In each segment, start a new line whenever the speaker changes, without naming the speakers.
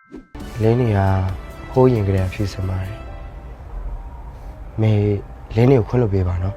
လင်းနေကဟိုးရင်ကလေးဖြစ်စမှာတယ်မေလင်းနေကိုခွင့်လို့ပေးပါနော်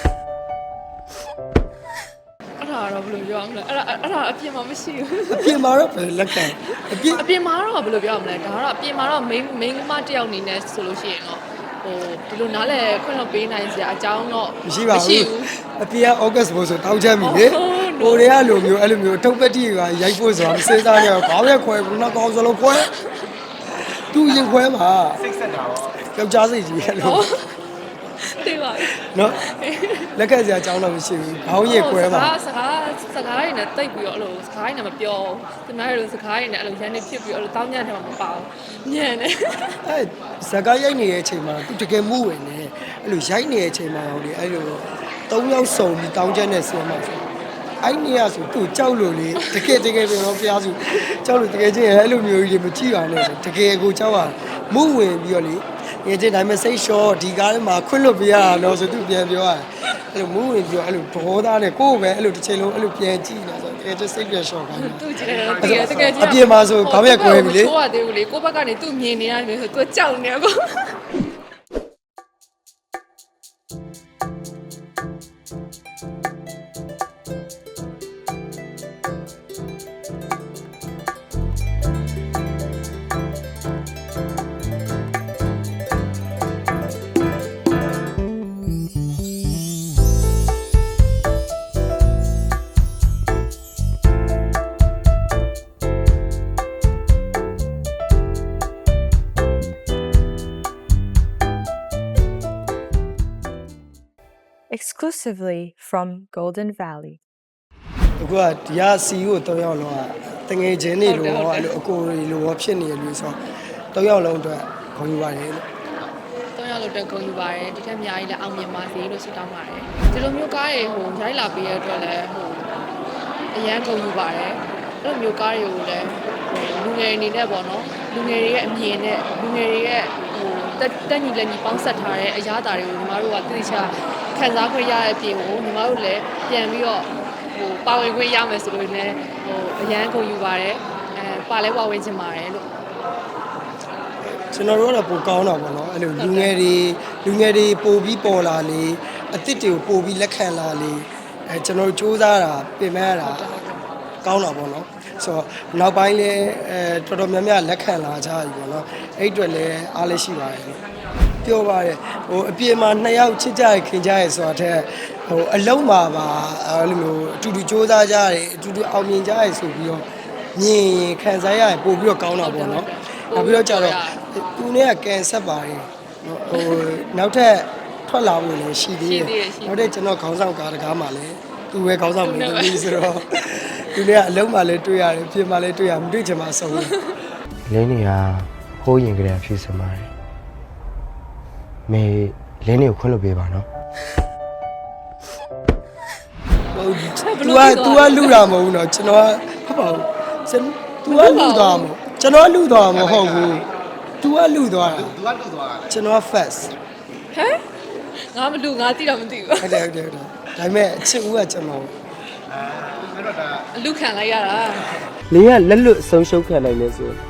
အဲ့ဒါတော့ဘယ်လိုပြောမလဲအဲ့ဒါအပြင်မှာမရှိဘူး
အပြင်မှာတော့ပဲလက်ခံ
အပြင်မှာတော့ဘယ်လိုပြောမလဲဒါကတော့အပြင်မှာတော့ main မတယောက်အနေနဲ့ဆိုလို့ရှိရင်တော့ဟိုဒီလိုနားလဲခွင့်လို့ပေးနိုင်စရာအကြောင်းတော့
မရှိပါဘူးအပြင်က August ဘို့ဆိုတောင်းချမ်းပြီလေဟိုတွေကလိုမျိုးအဲ့လိုမျိုးထုတ်ပတ်တိကရိုက်ဖို့ဆိုတာမစဉ်းစားရဘူးခေါင်းရက်ခွဲဘူးနောက်ကောင်းစလုံးခွဲသူရင်ခွဲပါစိတ်ဆက်တာရောယောက်ျားစိတ်ကြီးအဲ့လို
သိပါ
နော်လက်ခံစရာအကြောင်းတော့မရှိဘူးခေါင်းရက်ခွဲပါ
စကားရည်နဲ့တိတ်ပြီးတော့အဲ့လိုစကားရည်နဲ့မပြောဒီမှာလိုစကားရည်နဲ့အဲ့လိုရန်နေဖြစ်ပြီးအဲ့လိုတောင်းညံ့တယ်မှမပါဘူးညံ့တယ်
အဲ့စကားရိုက်နေတဲ့အချိန်မှာသူတကယ်မှုဝင်နေအဲ့လိုရိုက်နေတဲ့အချိန်မှာဟိုလေအဲ့လို၃ယောက်စုံပြီးတောင်းချက်နဲ့ဆင်းမှာဆိုအဲ့နေရဆိုသူကြောက်လို့လေတကယ်ပြန်တော့ဖျားစုကြောက်လို့တကယ်ချင်းအဲ့လိုမျိုးကြီးမကြည့်ပါနဲ့ဆိုတကယ်ကိုကြောက်ရမှုဝင်ပြီးတော့လေငယ်ချင်းဒါပေမဲ့စိတ်လျှော့ဒီကားထဲမှာခွင့်လွတ်ပြရတော့ဆိုသူပြန်ပြောရတယ်အဲ့လိုမှုဝင်ပြီးတော့အဲ့လိုဘောသားနဲ့ကိုယ်ပဲအဲ့လိုတစ်ချိန်လုံးအဲ့လိုပြန်ကြည့်နေဆိုတကယ်ချင်းစိတ်ပြန်လျှော့ခိုင်းတယ်
သူကြည့်တယ်တကယ်
အပြင်မှာဆိုခေါင်းရက်ကွဲပြီလေ
ကိုကသေးဘူးလေကိုဘက်ကနေသူ့မြင်နေရတယ်ဆိုသူကြောက်နေကော
Exclusively from Golden Valley.
အခုကဒီက CEO ၃ယောက်လုံးကတငယ်ချင်းတွေလို့အဲ့လိုအကိုတွေလို့ဖြစ်နေတယ်လို့ဆိုတော့၃ယောက်လုံးအတွက်ခေါ်ယူပါတယ်လို့
၃ယောက်လုံးတက်ကုန်ယူပါတယ်ဒီထက်အများကြီးလည်းအောင်မြင်ပါစေလို့ဆုတောင်းပါတယ်ဒီလိုမျိုးကားတွေဟိုရိုက်လာပေးရတဲ့အတွက်လည်းဟိုအရန်ကုန်ယူပါတယ်အဲ့လိုမျိုးကားတွေကိုလည်းလူငယ်အနေနဲ့ပေါ့နော်လူငယ်တွေရဲ့အမြင်နဲ့လူငယ်တွေရဲ့ဟိုတက်ညီလက်ညီပေါင်းဆက်ထားတဲ့အရာတာတွေကိုညီမတို့ကသိချာခံစားခွင့်ရတဲ့အပြင်ကိုညီမတို့လည်းပြန်ပြီးတော့ဟိုပါဝင်ခွင့်ရမယ်ဆိုလို့လည်းဟိုအရန်ကုန်ယူပါတယ်ပါလဲပါဝင်ချင်ပါတယ်လို့
ကျွန်တော်တို့ကတော့ပိုကောင်းတာပေါ့နော်အဲ့လိုလူငယ်တွေပိုပြီးပေါ်လာလေအစ်စ်တွေကိုပိုပြီးလက်ခံလာလေကျွန်တော်တို့စူးစမ်းတာပြင်မဲ့ရတာကောင်းတာပေါ့နော်ဆိုတော့နောက်ပိုင်းလဲတော်တော်များများလက်ခံလာကြပြီပေါ့နော်အဲ့အတွက်လည်းအားလည်းရှိပါတယ်ပြောပါတယ်ဟိုအပြင်မှာ2ယောက်ချစ်ကြရခင်ကြရဆိုတာတဲ့ဟိုအလုံးမှာပါအဲ့လိုမျိုးအတူတူစူးစမ်းကြရတယ်အတူတူအောင်မြင်ကြရဆိုပြီးတော့မြင်ရင်ခံစားရရင်ပို့ပြီးတော့ကောင်းတာပေါ့နော်နောက်ပြီးတော့ကျတော့သူနဲ့ကကန်ဆက်ပါတယ်ဟိုနောက်ထပ်ထွက်လာဖို့လည်းရှိသေးတယ်နောက်တဲ့ကျွန်တော်ခေါင်းဆောင်ကားတကားမှာလည်းသူပဲခေါင်းဆောင်နေတယ်ဆိုတော့သူနဲ့ကအလုံးမှာလည်းတွေ့ရတယ်ပြင်မှာလည်းတွေ့ရမတွေ့ချင်မှဆုံးတယ်
လင်းနေကဟိုးရင်ကလေးဖြစ်စမှာတယ်မေလင်းနေကိုခွင့်လို့ပေးပါနော်
तू ကလူတာမဟုတ်ဘူးเนาะကျွန်တော်ကဟုတ်ပါဘူး तू ကလူတာမဟုတ်ကျွန်တော်လူတာမဟုတ်ဘူး तू ကလူသွားတာကျွန်တော် first
ဟမ်ငါမလူငါတိတော့မသိဘူး
ဟုတ်တယ်ဒါပေမဲ့အချစ်ဦးကကျွန်တော်
အဲ့တော့ဒါအလူခံလိုက်ရတာ
လင်းကလက်လွတ်ဆုံးရှုံးခံနိုင်နေဆို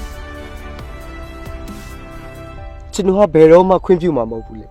ကျွန်တော်ကဘယ်တော့မှခွင့်ပြုမှာမဟုတ်ဘူးလေ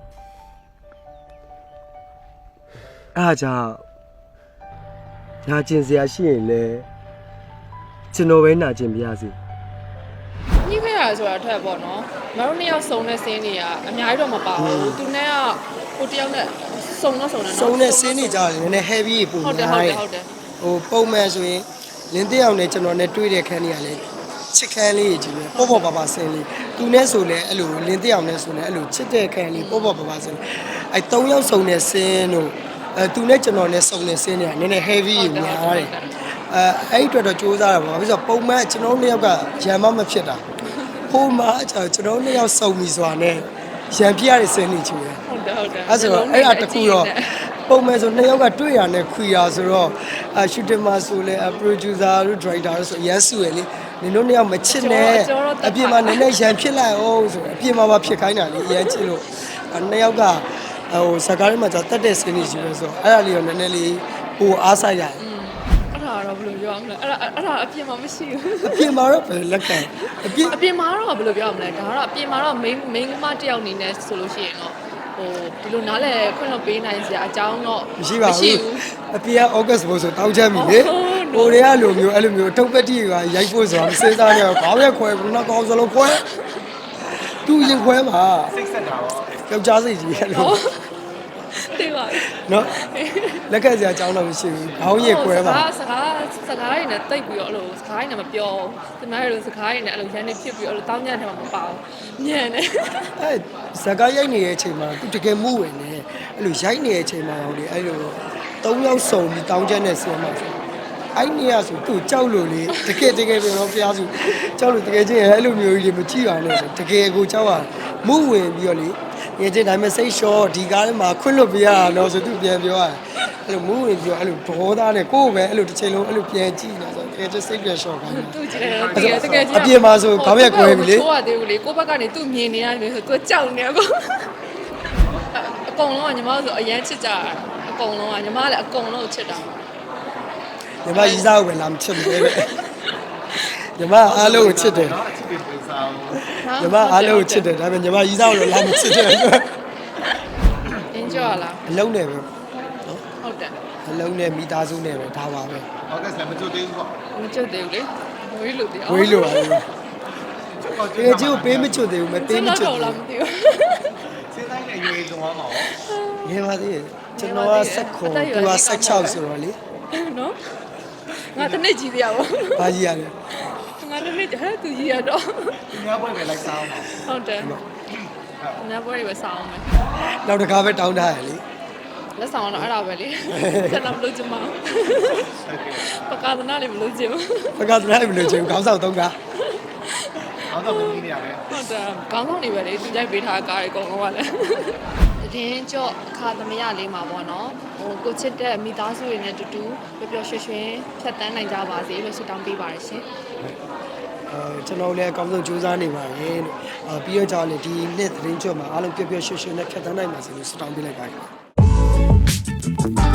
အားကြောင့်နာကျင်စရာရှိရင်လေကျွန်တော်ပဲနာကျင်ပြရစီ
ညှိခဲ့ရဆိုတာအထက်ပေါ့နော်မတို့နှစ်ယောက်စုံတဲ့စင်းတွေကအများကြီးတော့မပါဘူးသူနဲ့ကဟိုတယောက်နဲ့စုံတဲ့
စင်းတွေကြားတယ်နည်းနည်း heavy ပုံများတယ်ဟိုပုံမှန်ဆိုရင်လင်းတယောက်နဲ့ကျွန်တော်နဲ့တွေ့တဲ့ခန်းတွေကလည်းချစ်ခန်းလေးကြီးပဲပေါ့ပါဆင်းလေးသူနဲ့ဆိုလဲအဲ့လိုလင်းတယောက်နဲ့ဆိုလဲအဲ့လိုချစ်တဲ့ခန်းလေးပေါ့ပါဆင်းအဲ့၃ယောက်စုံတဲ့စင်းတို့သူနဲ့ကျွန်တော်နဲ့စုံတဲ့စင်းတွေကနည်းနည်း heavy များတယ်အဲ့အတွက်တော့စူးစမ်းတာပေါ့ပြီးတော့ပုံမှန်ကျွန်တော်နှစ်ယောက်ကရံမမဖြစ်တာပုံမှန်ကျွန်တော်နှစ်ယောက်စုံပြီဆိုတာနဲ့ရံပြရတဲ့စင်းနေချင်တယ်
ဟုတ်တယ်
အဲ့ဆိုတော့အဲ့အတခုတော့ပုံမှန်ဆိုနှစ်ယောက်ကတွေ့ရနဲ့ခွေရဆိုတော့ရှူတင်မှာဆိုလဲ producer တို့ director တို့ဆိုရန်စုရလေနင်တို့နှစ်ယောက်မချစ်နဲ့အပြင်မှာနည်းနည်းရန်ဖြစ်လိုက်အောင်ဆိုအပြင်မှာပါဖြစ်ခိုင်းတာလေရန်ချစ်လို့နှစ်ယောက်ကဟိုစကားထဲမှာကြာတက်တဲ့စင်းနေရှိပဲဆိုအဲ့ဒါလေးတော့နည်းနည်းလေးဟိုအားဆိုင်ရတယ်
အဲ့ဒါတော့ဘယ်လိုပြောရမလဲအဲ့ဒါအပြင်မှာမရှိဘူး
အပြင်မှာတော့ပဲလက်ခံအပြင်
အပြင်မှာတော့ဘယ်လိုပြောရမလဲဒါကတော့အပြင်မှာတော့ main မတယောက်အနေနဲ့ဆိုလို့ရှိရင်တော့ဟိုဒီလိုနားလဲခွင့်လွှတ်ပေးနိုင်စရာအကြောင်းတော့
မရှိပါဘူးအပြင်က August ဘို့ဆိုတောင်းချက်ပြီလေဟိုတွေကလိုမျိုးအဲ့လိုမျိုးထုတ်ပတိကရိုက်ဖို့ဆိုတာမစင်းစားနေတော့ခေါင်းရက်ခွဲဘူးနောက်ကောင်းစလုံးခွဲသူ့ရင်ခွဲမှာစိတ်ဆက်တာရောယောက်ျားစိတ်ကြီးအဲ့လို
တိပါ
နော်လက်ခံစရာအကြောင်းတော့မရှိဘူးခေါင်းရက်ခွဲမှာ
စကားတွေနဲ့တိတ်ပြီးတော့အဲ့လိုစကားတွေနဲ့မပြောဒီမှာအဲ့လိုစကားတွေနဲ့အဲ့လိုရန်နေဖြစ်ပြီးအဲ့လိုတောင်းညံ့တယ်မှာမပါဘူးညံ့တယ်
အဲ့ဇကာရိုက်နေတဲ့အချိန်မှာသူတကယ်မှုဝင်နေအဲ့လိုရိုက်နေတဲ့အချိန်မှာဟိုလေအဲ့လို၃ယောက်စုံပြီးတောင်းချက်နဲ့ဆင်းမှာဆိုအဲ့နေရဆိုသူကြောက်လို့လေတကယ်ပြောတော့ဖျားစုကြောက်လို့တကယ်ချင်းအဲ့လိုမျိုးကြီးတွေမကြည့်ရနဲ့ဆိုတကယ်ကိုကြောက်ရမှုဝင်ပြီးတော့လေငယ်ချင်းဒါပေမဲ့စိတ်လျှော့ဒီကားထဲမှာခွင့်လွတ်ပြရတာတော့ဆိုသူပြန်ပြောရတယ်အဲ့လိုမှုဝင်ပြီးတော့အဲ့လိုဘောသားနဲ့ကိုယ်ပဲအဲ့လိုတစ်ချိန်လုံးအဲ့လိုပြန်ကြည့်နေဆိုတကယ်ချင်းစိတ်ပြန်လျှော့ခိုင်းတယ်
သူ့ကြည့်တယ်တကယ်ကြီး
အပြင်မှာဆိုခေါင်းရက်ကွဲပြီလေ
ကိုကသေးဘူးလေကိုဘက်ကနေသူ့မြင်နေရတယ်ဆိုသူကြောက်နေအကုန်အကုန်လုံးကညီမတို့ဆိုအရန်ချစ်ကြတာအကုန်လုံးကညီမလည်းအကုန်လုံးချစ်တာ
ညီမရီးစားကိုပဲလာမချစ်ဘူးလေညီမအားလုံးကိုချစ်တယ်ညီမအားလုံးကိုချစ်တယ်ဒါပေမဲ့ညီမရီးစားကိုလာမချစ်တယ်
အင်းကြော်လား
အလုံးနဲ့ပဲ
ဟုတ်တယ်
အလုံးနဲ့မိသားစုနဲ့ပဲဒါပါပဲ
ဟုတ်ကဲ့ဆက်မကျွတ်သေးဘူးပေါ့
မချစ်သေးဘူးလေဝေးလို့တရား
ဝေးလို့ပါလေတကယ်ကြီးကိုပေးမချွတ်သေးဘူးမပေးမချွတ်
တော့
သေး
လားမ
ဘူး
သိဘူး
စဉ်းစားနေအရွယ်ဆုံးသွားမှာရော
ငယ်ပါသေးတယ်ကျွန်တော်က16သူက16ဆိုတော့လေ
နော်ငါတနေ့ကြီးတရားပေါ့
ဘာကြီးရလဲ
ငါတနေ့ဟဲ့သူကြီးရတော့
ဒီများပွဲပဲလိုက်စားအောင်ပါ
ဟုတ်တယ်ညပွဲတွေပဲစောင်းမယ်
နောက်တစ်ခါပဲတောင်းထားရလေ
လက်ဆောင်တော့အဲ့ဒါပဲလေဆက်တော့မလုပ်ချင်ပါဘူးပကာသနာလေးမလုပ်ချင်ဘူး
ဘကသနားမလို့ချင်ဘူးခေါင်းဆောင်သုံးကား
အောင်တော့မင်းနေရတယ်
ဟုတ်တယ်ကောင်းဆောင်နေပဲလေသူကြိုက်ပေးထားကားတွေအကုန်လုံးကလည်းတည်င်းကြော့အခါသမယလေးမှာပေါ့နော်ဟိုကိုချစ်တဲ့မိသားစုတွေနဲ့တူတူပျော်ပျော်ရွှင်ရွှင်ဖြတ်တန်းနိုင်ကြပါစေလို့ဆုတောင်းပေးပါတယ်ရှင်
ကျွန်တော်လည်းအကောင်းဆုံးကြိုးစားနေပါတယ်လို့ပြီးတော့ကြောင့်လေဒီနှစ်သတင်းကျွတ်မှာအားလုံးပျော်ပျော်ရွှင်ရွှင်နဲ့ဖြတ်သန်းနိုင်ပါစေလို့ဆုတောင်းပေးလိုက်ပါတယ်